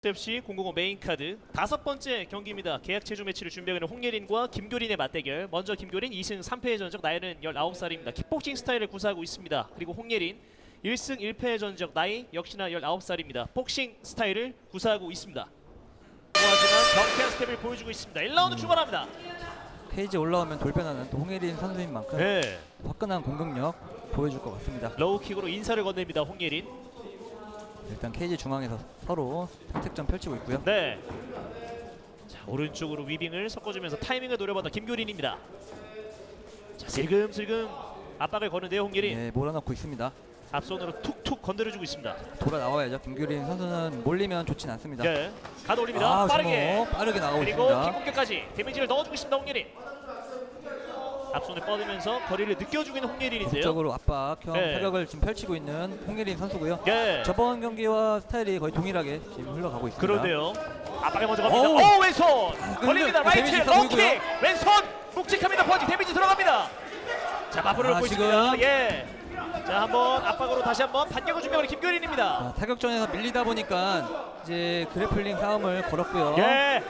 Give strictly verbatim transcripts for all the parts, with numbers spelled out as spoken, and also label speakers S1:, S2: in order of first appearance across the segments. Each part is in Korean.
S1: 에프씨 공공오 메인카드 다섯 번째 경기입니다. 계약 체조 매치를 준비하고 있는 홍예린과 김교린의 맞대결. 먼저 김교린 이승 삼패의 전적, 나이는 열아홉 살입니다. 킥복싱 스타일을 구사하고 있습니다. 그리고 홍예린 일승 일패의 전적, 나이 역시나 열아홉 살입니다. 복싱 스타일을 구사하고 있습니다. 하지만 경쾌한 스텝을 보여주고 있습니다. 일 라운드
S2: 음.
S1: 출발합니다.
S2: 케이지 올라오면 돌변하는 또 홍예린 선수인 만큼
S1: 네.
S2: 화끈한 공격력 보여줄 것 같습니다.
S1: 로우킥으로 인사를 건넵니다. 홍예린.
S2: 일단 케이지 중앙에서 서로 선택점 펼치고 있고요.
S1: 네. 자, 오른쪽으로 위빙을 섞어주면서 타이밍을 노려봤던 김교린입니다. 자, 슬금슬금 압박을 거는데요. 홍예린.
S2: 네, 몰아넣고 있습니다.
S1: 앞손으로 툭툭 건드려주고 있습니다.
S2: 돌아 나와야죠. 김규린 선수는 몰리면 좋진 않습니다.
S1: 네. 가드 올립니다.
S2: 아,
S1: 빠르게.
S2: 주먹 빠르게 나가고
S1: 그리고
S2: 있습니다.
S1: 킥공격까지 데미지를 넣어주고 있습니다. 홍예린. 앞손을 뻗으면서 거리를 느껴주고 있는 홍예린인데요.
S2: 적극적으로 압박형
S1: 네.
S2: 타격을 지금 펼치고 있는 홍예린 선수고요.
S1: 네.
S2: 저번 경기와 스타일이 거의 동일하게 지금 흘러가고 있습니다.
S1: 그런데요. 압박에 먼저 갑니다.
S2: 어우.
S1: 오, 왼손 걸립니다.
S2: 근데
S1: 라이트
S2: 데미지 있어
S1: 로킥.
S2: 보이고요.
S1: 왼손 묵직합니다. 퍼지 데미지 들어갑니다. 자, 마무리를
S2: 아,
S1: 놓고
S2: 지금.
S1: 있습니다. 예. 자, 한번 압박으로 다시 한번 반격을 준비하는 김교린입니다.
S2: 아, 타격전에서 밀리다 보니까 이제 그래플링 싸움을 걸었고요.
S1: 예.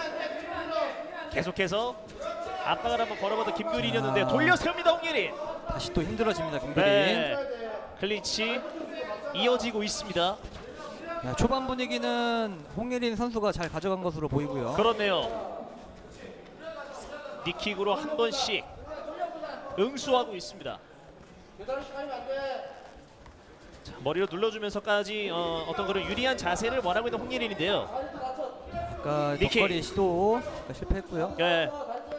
S1: 계속해서 압박을 한번 걸어봤던 김교린이었는데
S2: 아.
S1: 돌려 세웁니다. 홍예린.
S2: 다시 또 힘들어집니다. 김규린.
S1: 네. 클린치 이어지고 있습니다.
S2: 야, 초반 분위기는 홍예린 선수가 잘 가져간 것으로 보이고요.
S1: 그렇네요. 니킥으로 한 번씩 응수하고 있습니다. 자, 머리로 눌러주면서까지 어, 어떤 그런 유리한 자세를 원하고 있는 홍예린인데요.
S2: 아까
S1: 니킥.
S2: 덕거리 시도 실패했고요.
S1: 예.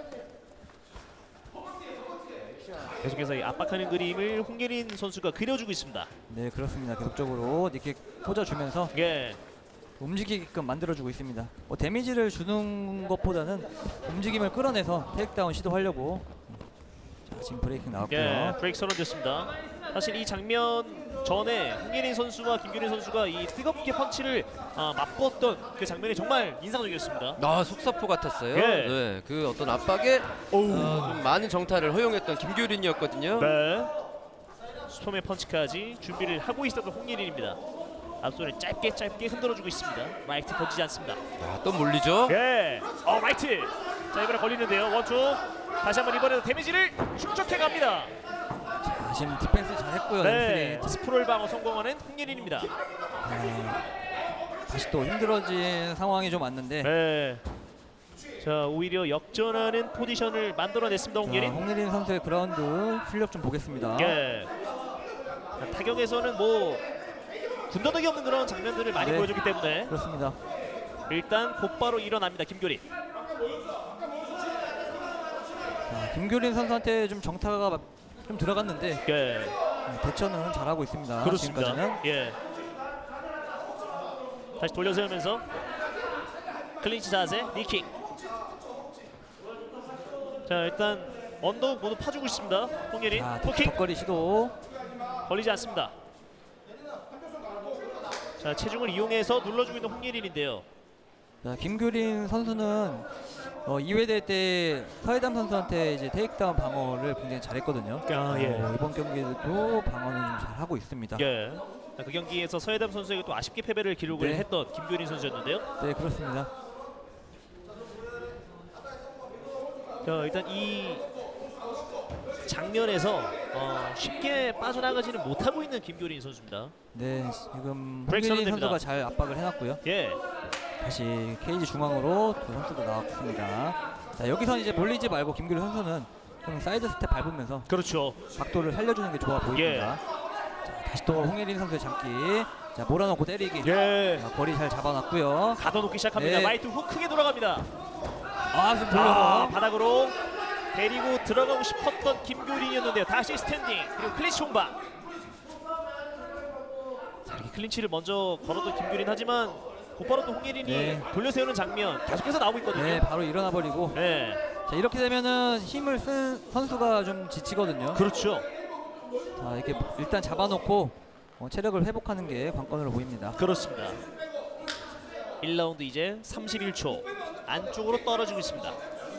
S1: 계속해서 이 압박하는 그림을 홍예린 선수가 그려주고 있습니다.
S2: 네, 그렇습니다. 계속적으로 니킥 꽂아주면서
S1: 예.
S2: 움직이게끔 만들어주고 있습니다. 뭐 데미지를 주는 것보다는 움직임을 끌어내서 테이크다운 시도하려고. 자, 지금 브레이킹 나왔고요.
S1: 예, 브레이크 선언됐습니다. 사실 이 장면 전에 홍예린 선수와 김규린 선수가 이 뜨겁게 펀치를 아, 맛보았던 그 장면이 정말 인상적이었습니다.
S3: 아, 속사포 같았어요.
S1: 예.
S3: 네, 그 어떤 압박에 어, 좀 많은 정타를 허용했던 김규린이었거든요.
S1: 네. 슈퍼맨 펀치까지 준비를 하고 있었던 홍예린입니다. 앞손을 짧게 짧게 흔들어주고 있습니다. 라이트 던지지 않습니다.
S3: 아, 또 몰리죠?
S1: 예, 어 라이트. 자, 이번에 걸리는데요. 원투. 다시 한번 이번에도 데미지를 축적해 갑니다.
S2: 자, 지금 디펜스 잘했고요.
S1: 네,
S2: 램스리.
S1: 스프롤 방어 성공하는 홍예린입니다.
S2: 네, 다시 또 힘들어진 상황이 좀 왔는데
S1: 네. 자, 오히려 역전하는 포지션을 만들어냈습니다.
S2: 자,
S1: 홍예린.
S2: 홍예린 선수의 그라운드 실력 좀 보겠습니다.
S1: 예. 자, 타격에서는 뭐 군더더기 없는 그런 장면들을 많이
S2: 네.
S1: 보여줬기 때문에
S2: 그렇습니다.
S1: 일단 곧바로 일어납니다. 김교린.
S2: 자, 김규린 선수한테 좀 정타가 좀 들어갔는데
S1: 예.
S2: 대처는 잘하고 있습니다.
S1: 그렇습니다.
S2: 지금까지는.
S1: 예. 다시 돌려 세우면서 클린치 자세, 니킥. 자, 일단 언더욱 모두 파주고 있습니다. 홍예린.
S2: 자,
S1: 토킥
S2: 덕거리 시도.
S1: 걸리지 않습니다. 자, 체중을 이용해서 눌러주고 있는 홍예린인데요.
S2: 자, 김규린 선수는 어, 이 회 대회 때 서해담 선수한테 이제 테이크다운 방어를 굉장히 잘했거든요.
S1: 아, 예.
S2: 어, 이번 경기에도 방어는 좀 잘하고 있습니다.
S1: 예. 자, 그 경기에서 서해담 선수에게 또 아쉽게 패배를 기록을
S2: 네.
S1: 했던 김교린 선수였는데요.
S2: 네, 그렇습니다.
S1: 자, 일단 이 장면에서 어, 쉽게 빠져나가지는 못하고 있는 김교린 선수입니다.
S2: 네, 지금
S1: 브레이크
S2: 홍예린
S1: 선언됩니다.
S2: 선수가 잘 압박을 해놨고요.
S1: 예.
S2: 다시 케이지 중앙으로 두 선수도 나왔습니다. 자, 여기서 이제 몰리지 말고 김규린 선수는 좀 사이드 스텝 밟으면서
S1: 그렇죠.
S2: 각도를 살려주는 게 좋아 보입니다. 자, 다시 또 홍예린 선수의 잡기. 자, 몰아넣고 때리기.
S1: 예.
S2: 자, 거리 잘 잡아놨고요.
S1: 가둬놓기 시작합니다.
S2: 네.
S1: 라이트 훅 크게 돌아갑니다.
S2: 아, 지금
S1: 아,
S2: 돌려서.
S1: 바닥으로 데리고 들어가고 싶었던 김교린이었는데요. 다시 스탠딩 그리고 클린치 홍박. 자, 이렇게 클린치를 먼저 걸어도 김교린 하지만 곧바로 또 홍예린이
S2: 네.
S1: 돌려세우는 장면 계속해서 나오고 있거든요.
S2: 네, 바로 일어나 버리고.
S1: 네.
S2: 자, 이렇게 되면은 힘을 쓴 선수가 좀 지치거든요.
S1: 그렇죠.
S2: 자, 이렇게 일단 잡아놓고 어, 체력을 회복하는 게 관건으로 보입니다.
S1: 그렇습니다. 일 라운드 이제 삼십일 초 안쪽으로 떨어지고 있습니다.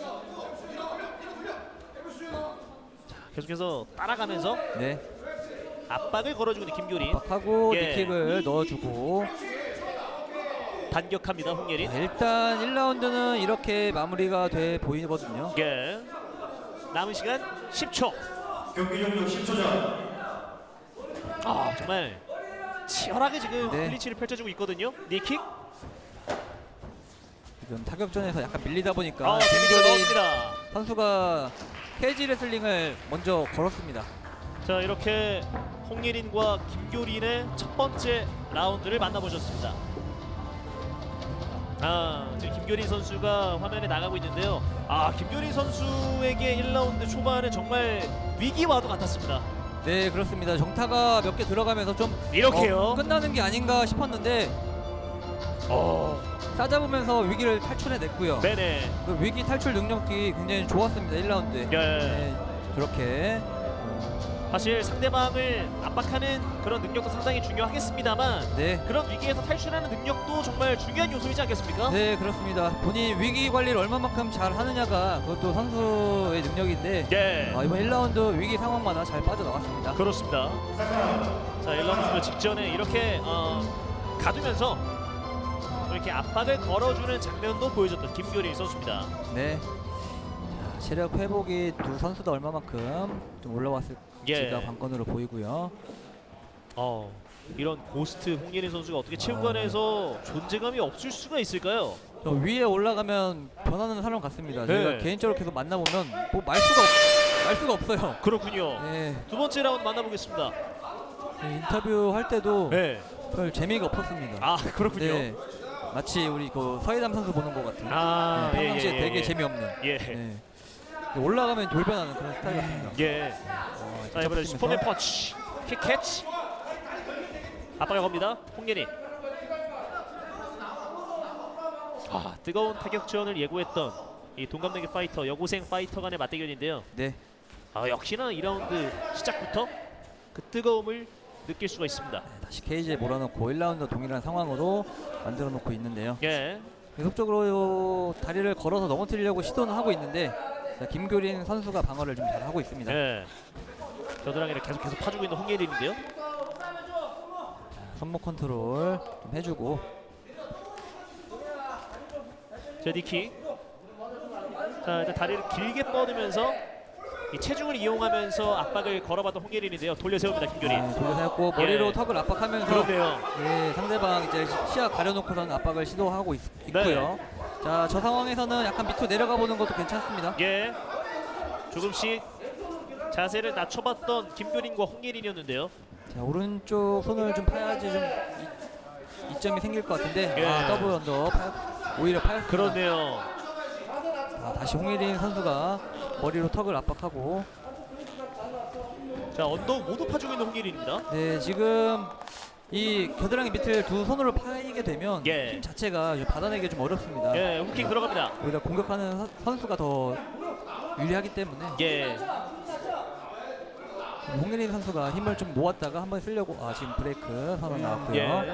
S1: 자, 계속해서 따라가면서
S2: 네,
S1: 압박을 걸어주고 있는 김교린.
S2: 압박하고
S1: 예.
S2: 니킥을 넣어주고.
S1: 반격합니다 홍예린.
S2: 자, 일단 일 라운드는 이렇게 마무리가 돼 보이거든요.
S1: 예. 남은 시간 십 초.
S4: 경기 종료 십 초 전.
S1: 아 정말 치열하게 지금
S2: 네.
S1: 클린치를 펼쳐주고 있거든요. 니킥.
S2: 지금 타격전에서 약간 밀리다 보니까
S1: 아 데미지가
S2: 김교린
S1: 넣었습니다.
S2: 선수가 케이지 레슬링을 먼저 걸었습니다.
S1: 자 이렇게 홍예린과 김교린의 첫 번째 라운드를 만나보셨습니다. 아 지금 김교린 선수가 화면에 나가고 있는데요. 아 김교린 선수에게 일 라운드 초반은 정말 위기와도 같았습니다.
S2: 네, 그렇습니다. 정타가 몇 개 들어가면서 좀
S1: 이렇게요.
S2: 어, 끝나는 게 아닌가 싶었는데
S1: 어,
S2: 싸잡으면서 위기를 탈출해냈고요.
S1: 네네.
S2: 그 위기 탈출 능력이 굉장히 좋았습니다. 일 라운드에.
S1: 예.
S2: 네, 저렇게
S1: 사실 상대방을 압박하는 그런 능력도 상당히 중요하겠습니다만
S2: 네.
S1: 그런 위기에서 탈출하는 능력도 정말 중요한 요소이지 않겠습니까?
S2: 네, 그렇습니다. 본인 위기 관리를 얼마만큼 잘 하느냐가 그것도 선수의 능력인데
S1: 예.
S2: 아, 이번 일 라운드 위기 상황마다 잘 빠져나갔습니다.
S1: 그렇습니다. 자, 일 라운드 직전에 이렇게 어, 가두면서 이렇게 압박을 걸어주는 장면도 보여줬던 김교린 선수입니다.
S2: 네. 자, 체력 회복이 두 선수 다 얼마만큼 좀 올라왔을지가
S1: 예.
S2: 관건으로 보이고요.
S1: 어, 이런 고스트 홍예린 선수가 어떻게 체육관에서 존재감이 없을 수가 있을까요?
S2: 저 위에 올라가면 변하는 사람 같습니다.
S1: 네.
S2: 저희가 개인적으로 계속 만나보면 뭐 말 수가 없, 말 수가 없어요.
S1: 그렇군요.
S2: 네.
S1: 두 번째 라운드 만나보겠습니다.
S2: 네, 인터뷰 할 때도
S1: 네.
S2: 별 재미가 없었습니다.
S1: 아, 그렇군요.
S2: 네. 마치 우리 그 서해담 선수 보는 것 같은.
S1: 아,
S2: 네,
S1: 예,
S2: 평상시에
S1: 예,
S2: 되게
S1: 예.
S2: 재미없는.
S1: 예.
S2: 네. 올라가면 돌변하는 그런 스타일 같습니다.
S1: 예.
S2: 어,
S1: 자, 이번에
S2: 뒷잡히면서.
S1: 슈퍼맨 펀치. 킥 캐치. 압박을 겁니다. 홍예린. 아, 뜨거운 타격 지원을 예고했던 이 동갑내기 파이터, 여고생 파이터 간의 맞대결인데요.
S2: 네.
S1: 아, 역시나 이 라운드 시작부터 그 뜨거움을 느낄 수가 있습니다.
S2: 네, 다시 케이지에 몰아넣고 일 라운드 동일한 상황으로 만들어 놓고 있는데요.
S1: 예.
S2: 계속적으로 다리를 걸어서 넘어뜨리려고 시도는 하고 있는데 자, 김교린 선수가 방어를 좀 잘 하고 있습니다.
S1: 예. 겨드랑이를 계속 계속 파주고 있는 홍예린인데요.
S2: 손목 컨트롤 좀 해주고
S1: 자, 니킥. 자, 일단 다리를 길게 뻗으면서 이 체중을 이용하면서 압박을 걸어봤던 홍예린인데요. 돌려 세웁니다, 김교린.
S2: 네, 돌려세웠고 머리로
S1: 예.
S2: 턱을 압박하면서
S1: 그런데요.
S2: 네, 상대방 이제 시야 가려놓고선 압박을 시도하고 있, 있고요. 자, 저 상황에서는 약간 밑으로 내려가 보는 것도 괜찮습니다.
S1: 예. 조금씩 자세를 낮춰봤던 김교린과 홍예린이었는데요.
S2: 자, 오른쪽 손을 좀 파야지 좀 이, 이점이 생길 것 같은데
S1: 예.
S2: 아, 더블 언더 파, 오히려 파였습니다.
S1: 그렇네요.
S2: 자, 다시 홍예린 선수가 머리로 턱을 압박하고
S1: 자, 언덕 모두 파주고 있는 홍예린입니다.
S2: 네, 지금 이 겨드랑이 밑을 두 손으로 파이게 되면
S1: 예.
S2: 힘 자체가 좀 받아내기 좀 어렵습니다.
S1: 예, 후킹 들어갑니다.
S2: 오히려 공격하는 선- 선수가 더 유리하기 때문에
S1: 예.
S2: 홍예린 선수가 힘을 좀 모았다가 한번 쓰려고 아 지금 브레이크 선언 나왔고요.
S1: 예.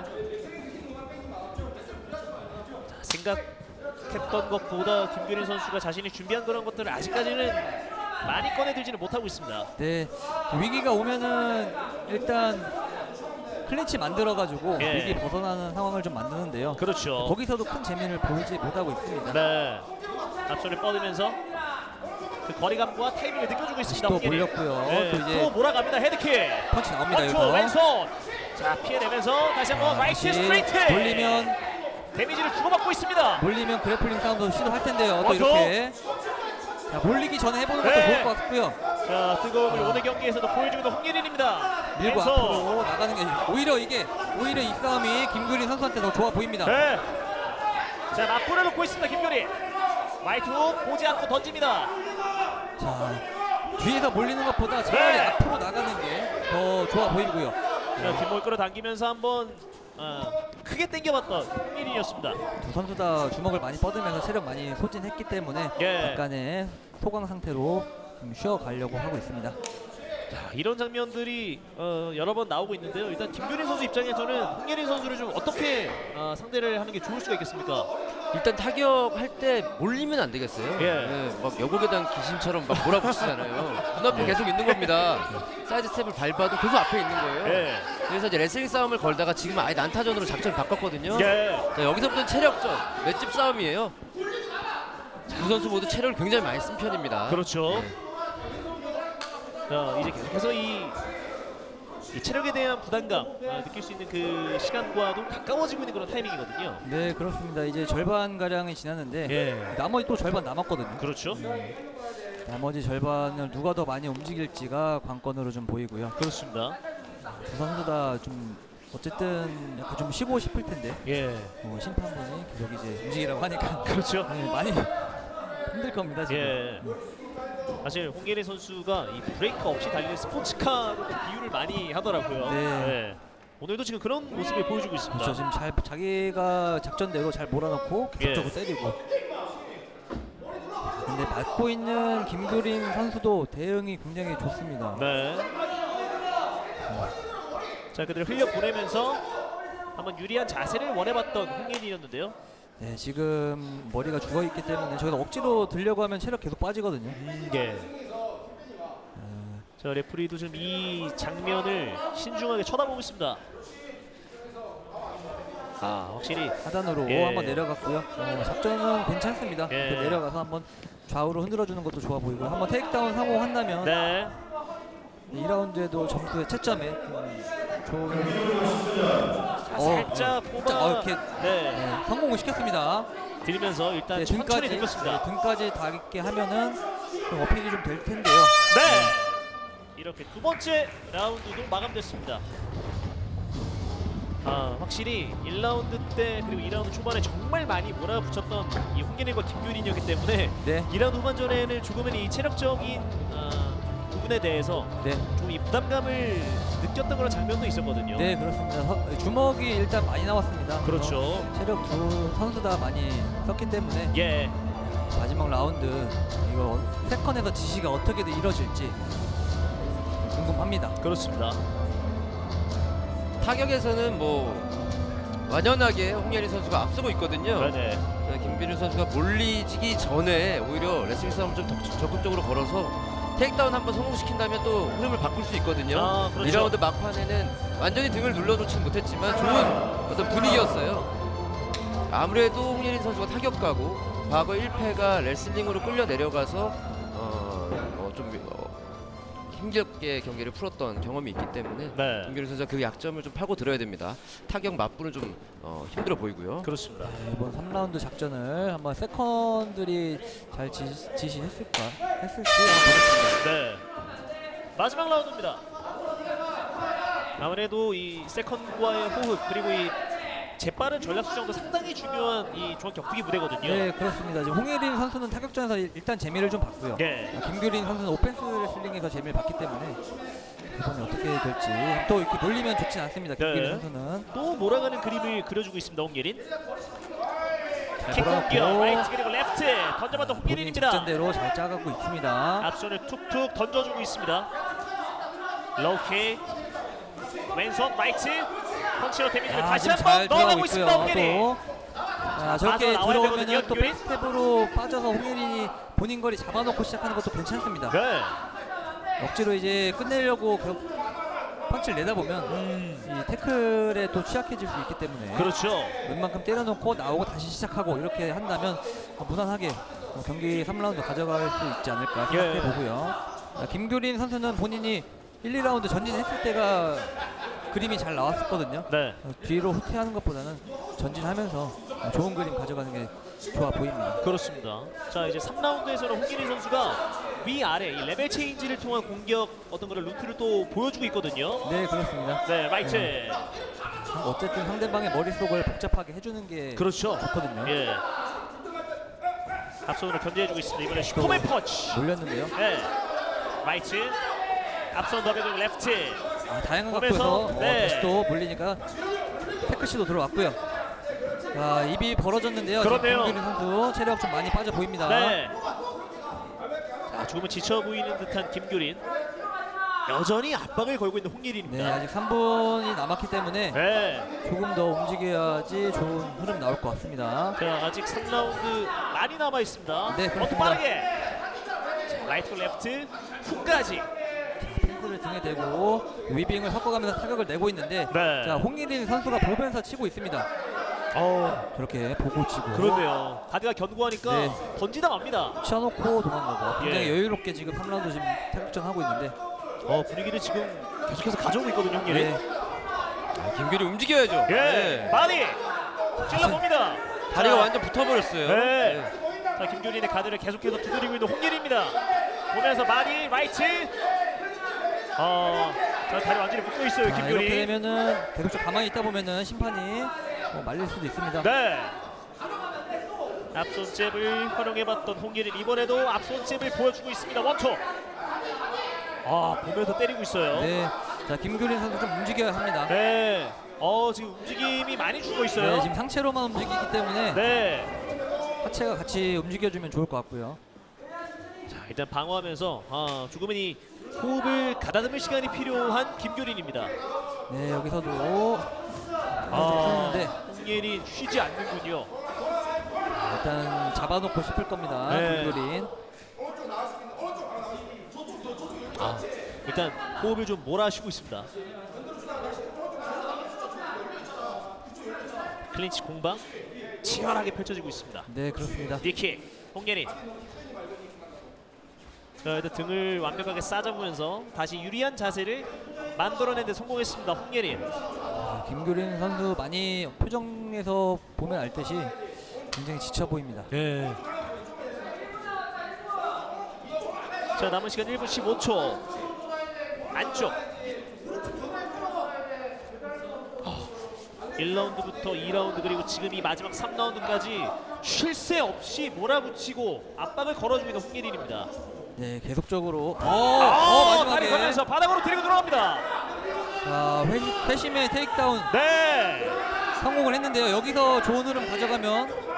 S1: 자, 생각했던 것보다 김규린 선수가 자신이 준비한 그런 것들을 아직까지는 많이 꺼내들지는 못하고 있습니다.
S2: 네, 위기가 오면은 일단 클린치 만들어가지고
S1: 예.
S2: 위기 벗어나는 상황을 좀 만드는데요.
S1: 그렇죠.
S2: 거기서도 큰 재미를 보이지 못하고 있습니다.
S1: 네. 앞손을 뻗으면서 그 거리감과 타이밍을 느껴주고 있습니다.
S2: 또
S1: 홍예린.
S2: 몰렸고요.
S1: 네,
S2: 또 이제
S1: 또 몰아갑니다. 헤드킥.
S2: 펀치 나옵니다.
S1: 원투
S2: 여기서
S1: 왼손. 자, 피해내면서 다시 한번
S2: 아,
S1: 라이트
S2: 다시
S1: 스트레이트.
S2: 몰리면
S1: 데미지를 주고받고 있습니다.
S2: 몰리면 그래플링 싸움도 시도할 텐데요. 또
S1: 원투.
S2: 이렇게 자, 몰리기 전에 해보는 것도
S1: 네.
S2: 좋을 것 같고요.
S1: 자, 뜨거움을
S2: 아.
S1: 오늘 경기에서도 보여주고 있는 홍예린입니다.
S2: 밀고
S1: 왼손.
S2: 앞으로 나가는 게 오히려 이게 오히려 이 싸움이 김규린 선수한테 더 좋아 보입니다.
S1: 네. 자, 맞불을 놓고 있습니다. 김규린. 라이트 훅 보지 않고 던집니다.
S2: 자, 뒤에서 몰리는 것보다 차라리
S1: 네.
S2: 앞으로 나가는 게 더 좋아 보이고요.
S1: 자, 뒷목을 끌어당기면서 한번 어, 크게 당겨봤던 홍예린이었습니다.
S2: 두 선수 다 주먹을 많이 뻗으면서 체력 많이 소진했기 때문에
S1: 예.
S2: 약간의 소강 상태로 좀 쉬어가려고 하고 있습니다.
S1: 자, 이런 장면들이 어, 여러 번 나오고 있는데요. 일단 김규린 선수 입장에서는 홍예린 선수를 좀 어떻게 어, 상대를 하는 게 좋을 수가 있겠습니까?
S3: 일단 타격할 때 몰리면 안 되겠어요.
S1: 예.
S3: 네, 막 여고괴당 귀신처럼 막 몰아붙이잖아요. 눈앞에 계속 있는 겁니다. 사이드 스텝을 밟아도 계속 앞에 있는 거예요.
S1: 예.
S3: 그래서 이제 레슬링 싸움을 걸다가 지금 아예 난타전으로 작전을 바꿨거든요.
S1: 예.
S3: 자, 여기서부터는 체력전, 맷집 싸움이에요. 두 선수 모두 체력을 굉장히 많이 쓴 편입니다.
S1: 그렇죠. 자, 이제 계속해서 이, 이 체력에 대한 부담감 아, 느낄 수 있는 그 시간과도 가까워지고 있는 그런 타이밍이거든요.
S2: 네, 그렇습니다. 이제 절반 가량이 지났는데
S1: 예.
S2: 나머지 또 절반 남았거든요.
S1: 그렇죠.
S2: 나머지 절반을 누가 더 많이 움직일지가 관건으로 좀 보이고요.
S1: 그렇습니다.
S2: 두 선수 다 좀 어쨌든 약간 좀 쉬고 싶을 텐데
S1: 예.
S2: 어, 심판분이 계속 이제 움직이라고 하니까
S1: 그렇죠.
S2: 네, 많이 힘들 겁니다 지금.
S1: 예. 사실 홍예린 선수가 이 브레이크 없이 달리는 스포츠카로 비유를 많이 하더라고요.
S2: 네.
S1: 예. 오늘도 지금 그런 모습을 보여주고 있습니다.
S2: 그렇죠. 지금 잘 자기가 작전대로 잘 몰아넣고 계속적으로
S1: 예.
S2: 때리고. 근데 맞고 있는 김규린 선수도 대응이 굉장히 좋습니다.
S1: 네. 자, 그대로 흘려 보내면서 한번 유리한 자세를 원해봤던 홍예린이었는데요.
S2: 네, 지금 머리가 죽어 있기 때문에 저기서 억지로 들려고 하면 체력 계속 빠지거든요.
S1: 예. 자, 레프리도 지금 이 장면을 신중하게 쳐다보고 있습니다. 아, 확실히
S2: 하단으로
S1: 예.
S2: 한번 내려갔고요. 어, 작전은 괜찮습니다.
S1: 예.
S2: 그 내려가서 한번 좌우로 흔들어주는 것도 좋아 보이고 한번 테이크다운 성공한다면
S1: 네.
S2: 이 라운드에도 점수의 채점에 좋은
S1: 자, 살짝 뽑아
S2: 어, 이렇게
S1: 네.
S2: 네, 성공을 시켰습니다.
S1: 들면서 일단
S2: 네,
S1: 천천히
S2: 등까지
S1: 들렸습니다.
S2: 네, 등까지 닿게 하면은 좀 어필이 좀 될 텐데요.
S1: 네. 이렇게 두 번째 라운드도 마감됐습니다. 아, 확실히 일 라운드 때 그리고 이 라운드 초반에 정말 많이 몰아붙였던 이 홍예린과 김규린이었기 때문에
S2: 네,
S1: 이 라운드 후반전에는 조금은 이 체력적인 아, 부분에 대해서
S2: 네,
S1: 좀 이 부담감을 느꼈던 그런 장면도 있었거든요.
S2: 네 그렇습니다. 서- 주먹이 일단 많이 나왔습니다.
S1: 그렇죠.
S2: 그래서 체력 두 선수 다 많이 썼기 때문에
S1: 예.
S2: 마지막 라운드 이거 세컨에서 지시가 어떻게든 이뤄질지 궁금합니다.
S1: 그렇습니다.
S3: 타격에서는 뭐 완연하게 홍예린 선수가 앞서고 있거든요.
S1: 네네.
S3: 자, 김규린 선수가 몰리지기 전에 오히려 레슬링 싸움을 좀 더 적극적으로 걸어서 테이크다운 한번 성공시킨다면 또 흐름을 바꿀 수 있거든요.
S1: 아, 그렇죠.
S3: 이 라운드 막판에는 완전히 등을 눌러놓지는 못했지만 좋은 어떤 분위기였어요. 아무래도 홍예린 선수가 타격가고 과거 일 패가 레슬링으로 끌려 내려가서 어, 어, 좀 어, 힘겹게 경기를 풀었던 경험이 있기 때문에
S1: 네.
S3: 김규린 선수가 그 약점을 좀 파고 들어야 됩니다. 타격 맞부는 좀 어, 힘들어 보이고요.
S1: 그렇습니다.
S2: 네, 이번 삼 라운드 작전을 한번 세컨들이 잘 지, 지시했을까 했을지 한번 보겠습니다.
S1: 네. 마지막 라운드입니다. 아무래도 이 세컨과의 호흡 그리고 이 재빠른 전략 수정도 상당히 중요한 이 중앙 격투기 무대거든요.
S2: 네 그렇습니다. 지금 홍예린 선수는 타격전에서 일- 일단 재미를 좀 봤고요.
S1: 예.
S2: 아, 김규린 선수는 오펜스 레슬링에서 재미를 봤기 때문에 이번에 어떻게 될지 또 이렇게 몰리면 좋진 않습니다. 김규린
S1: 네.
S2: 선수는
S1: 또 몰아가는 그림을 그려주고 있습니다. 홍예린.
S2: 잘
S1: 킥 공격
S2: 몰아놓고
S1: 라이트 그리고 레프트 던져봤던
S2: 본인
S1: 홍예린입니다.
S2: 작전대로 잘 짜가고 있습니다.
S1: 앞손을 툭툭 던져주고 있습니다. 로우킥 왼손 라이트 펀치로 데미지를
S2: 아,
S1: 다시
S2: 지금
S1: 한번
S2: 잘
S1: 넣어가고
S2: 들어가고
S1: 있습니다.
S2: 있고요.
S1: 홍예린.
S2: 또. 자, 저렇게
S1: 빠져나와야
S2: 들어오면은
S1: 되거든요,
S2: 또
S1: 김규린.
S2: 백스텝으로 빠져서 홍예린이 본인 거리 잡아놓고 시작하는 것도 괜찮습니다.
S1: 네.
S2: 억지로 이제 끝내려고 그 펀치를 내다 보면 이 태클에 또 취약해질 수 있기 때문에
S1: 그렇죠.
S2: 웬만큼 때려놓고 나오고 다시 시작하고 이렇게 한다면 무난하게 경기 삼 라운드 가져갈 수 있지 않을까 생각해
S1: 예.
S2: 보고요. 김규린 선수는 본인이 일, 이 라운드 전진했을 때가 그림이 잘 나왔었거든요.
S1: 네.
S2: 어, 뒤로 후퇴하는 것보다는 전진하면서 어, 좋은 그림 가져가는 게 좋아 보입니다.
S1: 그렇습니다. 자, 이제 삼 라운드에서는 홍길이 선수가 위아래 이 레벨 체인지를 통한 공격 어떤 그런 루트를 또 보여주고 있거든요.
S2: 네 그렇습니다.
S1: 네, 라이트.
S2: 네. 어쨌든 상대방의 머릿속을 복잡하게 해주는 게
S1: 그렇죠.
S2: 좋거든요.
S1: 예. 앞손으로 견제해주고 있습니다. 이번에 슈퍼맨 펀치.
S2: 몰렸는데요.
S1: 네. 라이트. 앞손 더블 그리고 레프트.
S2: 아, 다양한
S1: 몸에서,
S2: 각도에서
S1: 네.
S2: 어, 다시 또 몰리니까 태클시도 들어왔고요. 자, 입이 벌어졌는데요.
S1: 그러네요.
S2: 김규린 선수 체력 좀 많이 빠져 보입니다.
S1: 네. 자, 조금은 지쳐 보이는 듯한 김규린. 여전히 압박을 걸고 있는
S2: 네,
S1: 홍예린입니다.
S2: 아직 삼 분이 남았기 때문에
S1: 네.
S2: 조금 더 움직여야지 좋은 흐름 나올 것 같습니다.
S1: 자, 아직 삼 라운드 많이 남아 있습니다.
S2: 네,
S1: 더
S2: 그렇습니다.
S1: 빠르게. 자, 라이트 레프트 훅까지.
S2: 펜스 패드를 등에 대고 위빙을 섞어가면서 타격을 내고 있는데
S1: 네.
S2: 자 홍예린 선수가 보면서 치고 있습니다.
S1: 어,
S2: 저렇게 보고 치고
S1: 그러네요. 가드가 견고하니까
S2: 네.
S1: 던지다 맙니다.
S2: 치워놓고 도망가고 굉장히
S1: 예.
S2: 여유롭게 지금 삼 라운드 지금 타격전 하고 있는데
S1: 어, 분위기를 지금 계속해서 가져오고 있거든요, 홍예린.
S2: 네.
S3: 아, 김규리 움직여야죠.
S1: 예,
S3: 네.
S1: 바디 찔러봅니다.
S3: 다리가
S1: 자,
S3: 완전 붙어버렸어요.
S1: 네. 자, 김규린의 가드를 계속해서 두드리고 있는 홍예린입니다. 보면서 바디 라이트. 어, 자, 다리 완전히 묶고 있어요,
S2: 자, 이렇게
S1: 김규린.
S2: 되면은 계속 가만히 있다 보면은 심판이 어, 말릴 수도 있습니다.
S1: 네. 앞손 잽을 활용해봤던 홍예린 이번에도 앞손 잽을 보여주고 있습니다. 원투. 아, 보면서 때리고 있어요. 네.
S2: 네. 자 김규린 선수 좀 움직여야 합니다.
S1: 어, 지금 움직임이 많이 죽어 있어요.
S2: 네, 지금 상체로만 움직이기 때문에
S1: 네.
S2: 하체가 같이 움직여주면 좋을 것 같고요.
S1: 자, 일단 방어하면서 아, 조금은 이 호흡을 가다듬을 시간이 필요한 김규린입니다.
S2: 네, 여기서도
S1: 아,
S2: 네,
S1: 홍예린 쉬지 않는군요.
S2: 일단 잡아놓고 싶을 겁니다.
S1: 네.
S2: 김규린.
S1: 아, 일단 호흡을 좀 몰아쉬고 있습니다. 클린치 공방 치열하게 펼쳐지고 있습니다.
S2: 네, 그렇습니다.
S1: 니킥 홍예린. 자, 일단 등을 완벽하게 싸잡으면서 다시 유리한 자세를 만들어내는 데 성공했습니다. 홍예린.
S2: 아, 김규린 선수 많이 표정에서 보면 알 듯이 굉장히 지쳐 보입니다.
S1: 네. 자, 남은 시간 일 분 십오 초. 안쪽. 어, 일 라운드부터 이 라운드 그리고 지금 이 마지막 삼 라운드까지 쉴 새 없이 몰아붙이고 압박을 걸어주고 있는 홍예린입니다.
S2: 네, 계속적으로 어,
S1: 아,
S2: 어
S1: 다리
S2: 마지막에
S1: 걸면서 바닥으로 데리고 들어갑니다.
S2: 자, 회, 회심의 테이크다운
S1: 네.
S2: 성공을 했는데요. 여기서 좋은 흐름 가져가면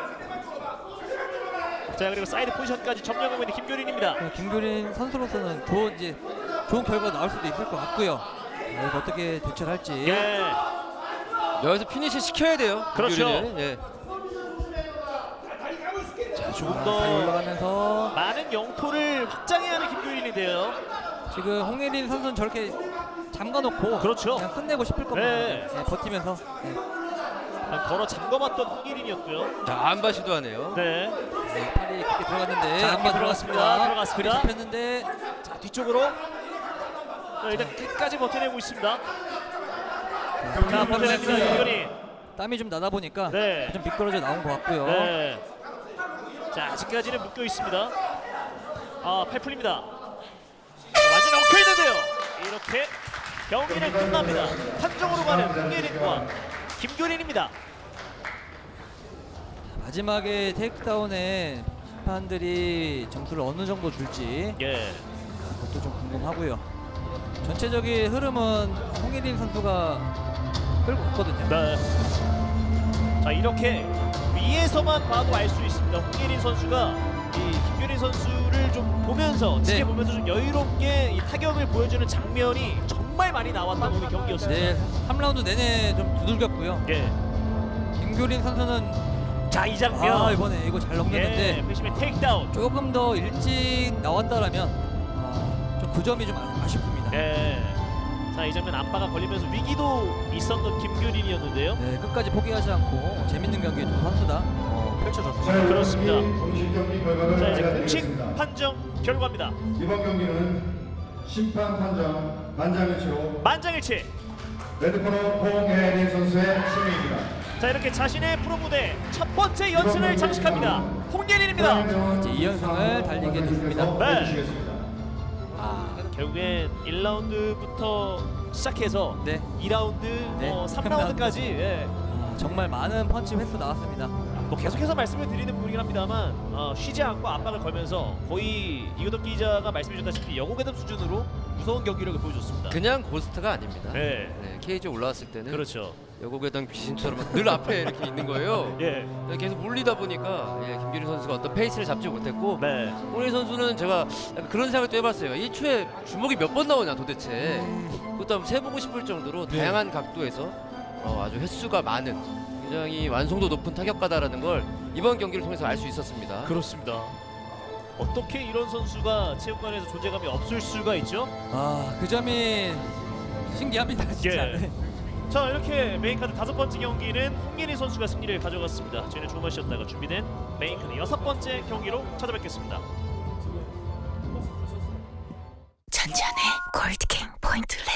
S1: 자, 그리고 사이드 포지션까지 점령하고 있는 김규린입니다.
S2: 네, 김규린 선수로서는 좋은 이제 좋은 결과 나올 수도 있을 것 같고요. 네, 이거 어떻게 대처를 할지.
S1: 예.
S3: 여기서 피니시 시켜야 돼요.
S1: 그렇죠.
S3: 김규리는. 예.
S1: 자, 조금
S2: 자,
S1: 더
S2: 다리 올라가면서
S1: 많은 영토를 확장해야 하는 김규린인데요.
S2: 지금 홍예린 선수는 저렇게 잠가놓고
S1: 그렇죠.
S2: 그냥 끝내고 싶을 겁니다.
S1: 네.
S2: 네, 버티면서. 네.
S1: 걸어 잠궈봤던 홍예린이었고요.
S3: 자, 안바 시도하네요.
S1: 네.
S2: 네, 팔이 깊게 들어갔는데
S1: 자,
S2: 한번
S1: 들어갔습니다. 들어갔습니다.
S2: 그리 잡혔는데
S1: 자, 뒤쪽으로. 자, 일단 끝까지 버텨내고 있습니다. 자, 버텨냅니다. 김규린.
S2: 땀이 좀 나다 보니까
S1: 네.
S2: 좀 미끄러져 나온 것 같고요.
S1: 네. 자, 아직까지는 묶여 있습니다. 아, 팔 풀립니다. 자, 완전히 엉켜 있는데요. 이렇게 경기는 끝납니다. 판정으로 가는 홍예린과 김규린입니다.
S2: 마지막에 테이크다운에 심판들이 점수를 어느 정도 줄지
S1: 예.
S2: 그것도 좀 궁금하고요. 전체적인 흐름은 홍예린 선수가 끌고 갔거든요.
S1: 네. 자, 이렇게 위에서만 봐도 알 수 있습니다. 홍예린 선수가 이 김규린 선수를 좀 보면서
S2: 네.
S1: 지켜보면서 좀 여유롭게 이 타격을 보여주는 장면이 정말 많이 나왔던 오늘 경기였습니다.
S2: 네, 삼 라운드 내내 좀 두들겼고요.
S1: 예.
S2: 김규린 선수는
S1: 자, 이 장면.
S2: 아 이번에 이거 잘
S1: 예.
S2: 넘겼는데
S1: 회심의 테이크다운.
S2: 조금 더 일찍 나왔다라면 아, 좀 그 점이 좀 아- 아쉽습니다.
S1: 예. 자, 이 장면 안바가 걸리면서 위기도 있었던 김규린이었는데요.
S2: 네, 끝까지 포기하지 않고 재밌는 경기 두 선수다 어, 펼쳐졌습니다.
S1: 그렇습니다.
S4: 공식 경기 결과를
S1: 자, 이제 공식
S4: 알려드리겠습니다.
S1: 판정 결과입니다.
S4: 이번 경기는 심판 판정 만장일치로
S1: 만장일치.
S4: 레드코너 홍예린 선수의 승리입니다.
S1: 자, 이렇게 자신의 프로 무대 첫 번째 연승을 장식합니다. 홍예린입니다.
S2: 이제 이 연승을 달리게 됐습니다.
S1: 네.
S4: 해주시겠습니다.
S1: 아, 결국엔 일 라운드부터 시작해서
S2: 네,
S1: 이 라운드,
S2: 네,
S1: 뭐 삼
S2: 삼
S1: 라운드까지 예.
S2: 아, 정말 많은 펀치 횟수 나왔습니다.
S1: 뭐 계속해서 말씀을 드리는 부분이긴 합니다만 어, 쉬지 않고 압박을 걸면서 거의 이호덕 기자가 말씀해 주셨다시피 여고괴담 수준으로 무서운 경기력을 보여줬습니다.
S3: 그냥 고스트가 아닙니다.
S1: 네.
S3: 네, 케이지에 올라왔을 때는
S1: 그렇죠.
S3: 여고괴당 귀신처럼 늘 앞에 이렇게 있는 거예요.
S1: 예.
S3: 네, 계속 몰리다 보니까 예, 김규린 선수가 어떤 페이스를 잡지 못했고
S1: 네.
S3: 홍예린 선수는 제가 약간 그런 생각도 해봤어요. 일 초에 주먹이 몇 번 나오냐 도대체. 그것도 한번 세보고 싶을 정도로
S1: 네.
S3: 다양한 각도에서 어, 아주 횟수가 많은 굉장히 완성도 높은 타격가다라는 걸 이번 경기를 통해서 알 수 있었습니다.
S1: 그렇습니다. 어떻게 이런 선수가 체육관에서 존재감이 없을 수가 있죠?
S2: 아, 그 점이 신기합니다, 진짜.
S1: 예.
S2: 네.
S1: 자, 이렇게 메인카드 다섯 번째 경기는 홍예린 선수가 승리를 가져갔습니다. 저희는 조금만 쉬었다가 준비된 메인카드 여섯 번째 경기로 찾아뵙겠습니다.
S5: 전지현의 골드킹 포인트 레슨.